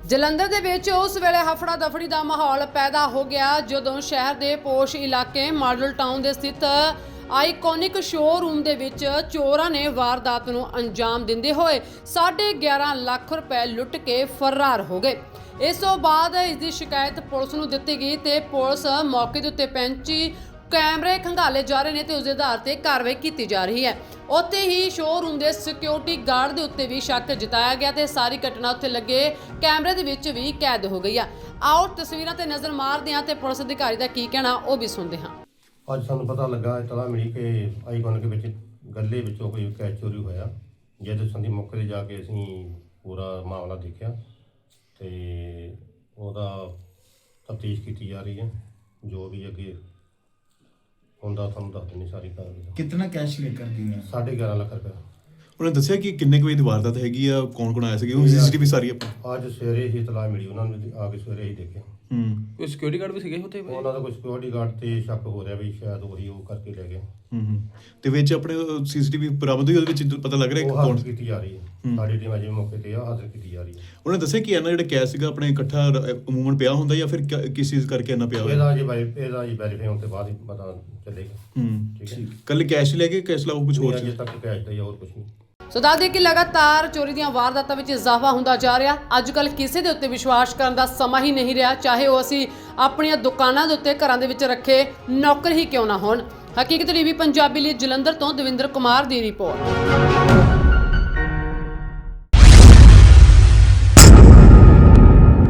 ਜਲੰਧਰ ਦੇ ਵਿੱਚ ਉਸ ਵੇਲੇ ਹਫੜਾ ਦਫੜੀ ਦਾ ਮਾਹੌਲ ਪੈਦਾ ਹੋ ਗਿਆ ਜਦੋਂ ਸ਼ਹਿਰ ਦੇ ਪੋਸ਼ ਇਲਾਕੇ ਮਾਡਲ ਟਾਊਨ ਦੇ ਸਥਿਤ ਆਈਕੋਨਿਕ ਸ਼ੋਰੂਮ ਦੇ ਵਿੱਚ ਚੋਰਾਂ ਨੇ ਵਾਰਦਾਤ ਨੂੰ ਅੰਜਾਮ ਦਿੰਦੇ ਹੋਏ 11.5 ਲੱਖ ਰੁਪਏ ਲੁੱਟ ਕੇ ਫਰਾਰ ਹੋ ਗਏ। ਇਸ ਤੋਂ ਬਾਅਦ ਇਸ ਦੀ ਸ਼ਿਕਾਇਤ ਪੁਲਿਸ ਨੂੰ ਦਿੱਤੀ ਗਈ ਤੇ ਪੁਲਿਸ ਮੌਕੇ ਦੇ ਉੱਤੇ ਪਹੁੰਚੀ। ਕੈਮਰੇ ਖੰਗਾਲੇ ਜਾ ਰਹੇ ਨੇ ਤੇ ਉਸ ਦੇ ਆਧਾਰ ਤੇ ਕਾਰਵਾਈ ਕੀਤੀ ਜਾ ਰਹੀ ਹੈ। ਉੱਥੇ ਹੀ ਸ਼ੋਰੂਮ ਦੇ ਸਿਕਿਉਰਿਟੀ ਗਾਰਡ ਦੇ ਉੱਤੇ ਵੀ ਸ਼ੱਕ ਜਤਾਇਆ ਗਿਆ ਤੇ ਸਾਰੀ ਘਟਨਾ ਉੱਥੇ ਲੱਗੇ ਕੈਮਰੇ ਦੇ ਵਿੱਚ ਵੀ ਕੈਦ ਹੋ ਗਈ ਆ। ਆਓ ਤਸਵੀਰਾਂ ਤੇ ਨਜ਼ਰ ਮਾਰਦੇ ਹਾਂ ਤੇ ਪੁਲਿਸ ਅਧਿਕਾਰੀ ਦਾ ਕੀ ਕਹਿਣਾ ਉਹ ਵੀ ਸੁਣਦੇ ਹਾਂ। ਅੱਜ ਸਾਨੂੰ ਪਤਾ ਲੱਗਾ ਇਤਲਾਹ ਮਿਲੀ ਕਿ ਆਈਕੋਨਿਕ ਵਿੱਚ ਗੱਲੇ ਵਿੱਚੋਂ ਕੋਈ ਕੈਸ਼ ਚੋਰੀ ਹੋਇਆ। ਜਿਹਦੇ ਸੰਬੰਧੀ ਮੌਕੇ 'ਤੇ ਜਾ ਕੇ ਅਸੀਂ ਪੂਰਾ ਮਾਮਲਾ ਦੇਖਿਆ ਤੇ ਉਹਦਾ ਤਫਤੀਸ਼ ਕੀਤੀ ਜਾ ਰਹੀ ਹੈ। ਜੋ ਵੀ ਅੱਗੇ ਹੁੰਦਾ ਤੁਹਾਨੂੰ ਦੱਸ ਦੇਣੀ ਸਾਰੀ ਕਾਰਵਾਈ। कितना कैश लेकर गई हैं? 11.5 ਲੱਖ ਰੁਪਏ। ਉਹਨਾਂ ਨੇ ਦੱਸਿਆ ਕਿ ਕਿੰਨੇ ਕੁ ਵਜੇ ਦੀ ਵਾਰਦਾਤ ਹੈਗੀ ਆ, ਕੌਣ ਆਇਆ ਸੀ, ਉਹ ਸੀਸੀਟੀਵੀ ਸਾਰੀ ਆਪਾਂ ਅੱਜ ਸਵੇਰੇ ਹੀ ਇਤਲਾਹ ਮਿਲੀ, ਉਹਨਾਂ ਨੇ ਆ ਕੇ ਸਵੇਰੇ ਹੀ ਦੇਖਿਆ। ਕੋਈ ਸਿਕਿਉਰਿਟੀ ਗਾਰਡ ਵੀ ਸੀਗੇ ਉੱਥੇ? ਉਹਨਾਂ ਦਾ ਕੋਈ ਸਿਕਿਉਰਿਟੀ ਗਾਰਡ ਤੇ ਸ਼ੱਕ ਹੋ ਰਿਹਾ ਵੀ ਸ਼ਾਇਦ ਉਹੀ ਉਹ ਕਰਕੇ ਲੈ ਗਏ। ਤੇ ਵਿੱਚ ਆਪਣੇ ਸੀਸੀਟੀਵੀ ਬਰਾਮਦ ਹੋਈ, ਉਹਦੇ ਵਿੱਚ ਪਤਾ ਲੱਗ ਰਿਹਾ ਉਹ ਕੌਣ ਹਾਜ਼ਰ ਕੀਤੀ ਜਾ ਰਹੀ ਹੈ। ਸਾਡੀ ਟੀਮ ਅਜੇ ਮੌਕੇ ਤੇ ਆ, ਹਾਜ਼ਰ ਕੀਤੀ ਜਾ ਰਹੀ ਹੈ। ਉਹਨੇ ਦੱਸਿਆ ਕਿ ਇਹਨਾਂ ਜਿਹੜਾ ਕੈਸ਼ ਸੀਗਾ ਆਪਣੇ ਇਕੱਠਾ ਅਮੂਮਨ ਪਿਆ ਹੁੰਦਾ ਜਾਂ ਫਿਰ ਕਿਸ ਚੀਜ਼ ਕਰਕੇ ਇਹਨਾਂ ਪਿਆ ਹੋਇਆ? ਇਹਦਾ ਜੀ ਵੈਰੀਫਾਈ ਹੋਣ ਤੋਂ ਬਾਅਦ ਹੀ ਪਤਾ ਚੱਲੇਗਾ। ਠੀਕ ਹੈ। ਕੱਲ ਕੈਸ਼ ਲੈ ਕੇ ਕੈਸ਼ ਲਾਓ ਕੁਝ ਹੋਰ ਅਜੇ ਸੀ? ਤੱਕ ਕੈਸ਼ ਦਾ ਹੀ ਹੋਰ ਕੁਝ ਨਹੀਂ। ਸੋ ਦੱਸ ਦੇ ਕਿ ਲਗਾਤਾਰ ਚੋਰੀ ਦੀਆਂ ਵਾਰਦਾਤਾਂ ਵਿੱਚ ਇਜ਼ਾਫਾ ਹੁੰਦਾ ਜਾ ਰਿਹਾ। ਅੱਜ ਕੱਲ੍ਹ ਕਿਸੇ ਦੇ ਉੱਤੇ ਵਿਸ਼ਵਾਸ ਕਰਨ ਦਾ ਸਮਾਂ ਹੀ ਨਹੀਂ ਰਿਹਾ, ਚਾਹੇ ਉਹ ਅਸੀਂ ਆਪਣੀਆਂ ਦੁਕਾਨਾਂ ਦੇ ਉੱਤੇ ਘਰਾਂ ਦੇ ਵਿੱਚ ਰੱਖੇ ਨੌਕਰ ਹੀ ਕਿਉਂ ਨਾ ਹੋਣ। ਹਕੀਕਤ ਟੀਵੀ ਪੰਜਾਬੀ ਲਈ ਜਲੰਧਰ ਤੋਂ ਦਵਿੰਦਰ ਕੁਮਾਰ ਦੀ ਰਿਪੋਰਟ।